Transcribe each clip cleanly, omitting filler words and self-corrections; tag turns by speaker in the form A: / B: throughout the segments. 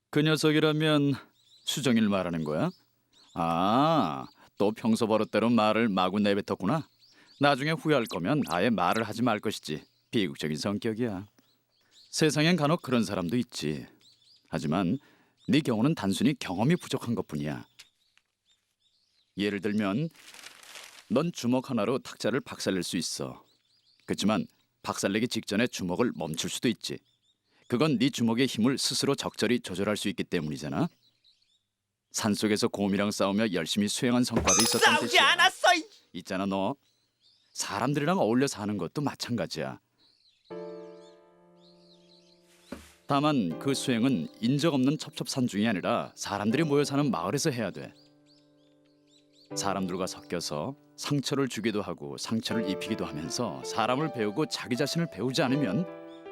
A: 그 녀석이라면 수정이를 말하는 거야? 아, 또 평소 버릇대로 말을 마구 내뱉었구나. 나중에 후회할 거면 아예 말을 하지 말 것이지. 비극적인 성격이야. 세상엔 간혹 그런 사람도 있지. 하지만 네 경우는 단순히 경험이 부족한 것뿐이야. 예를 들면 넌 주먹 하나로 탁자를 박살낼 수 있어. 그렇지만 박살내기 직전에 주먹을 멈출 수도 있지. 그건 네 주먹의 힘을 스스로 적절히 조절할 수 있기 때문이잖아. 산속에서 곰이랑 싸우며 열심히 수행한 성과도 있었던
B: 싸우지
A: 뜻이야.
B: 않았어.
A: 있잖아 너. 사람들이랑 어울려 사는 것도 마찬가지야. 다만 그 수행은 인적 없는 첩첩산중이 아니라 사람들이 모여 사는 마을에서 해야 돼. 사람들과 섞여서 상처를 주기도 하고 상처를 입히기도 하면서 사람을 배우고 자기 자신을 배우지 않으면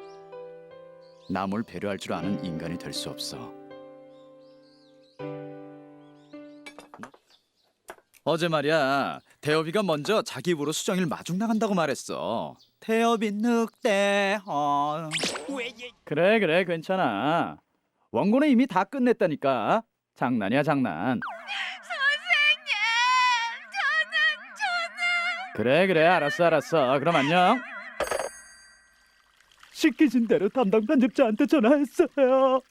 A: 남을 배려할 줄 아는 인간이 될 수 없어. 어제 말이야, 태엽이가 먼저 자기 입으로 수정이를 마중 나간다고 말했어. 태엽이 늑대.
B: 왜
A: 그래 괜찮아. 원고는 이미 다 끝냈다니까. 장난이야 장난. 그래 알았어. 그럼 안녕. 시키신 대로 담당 편집자한테 전화했어요.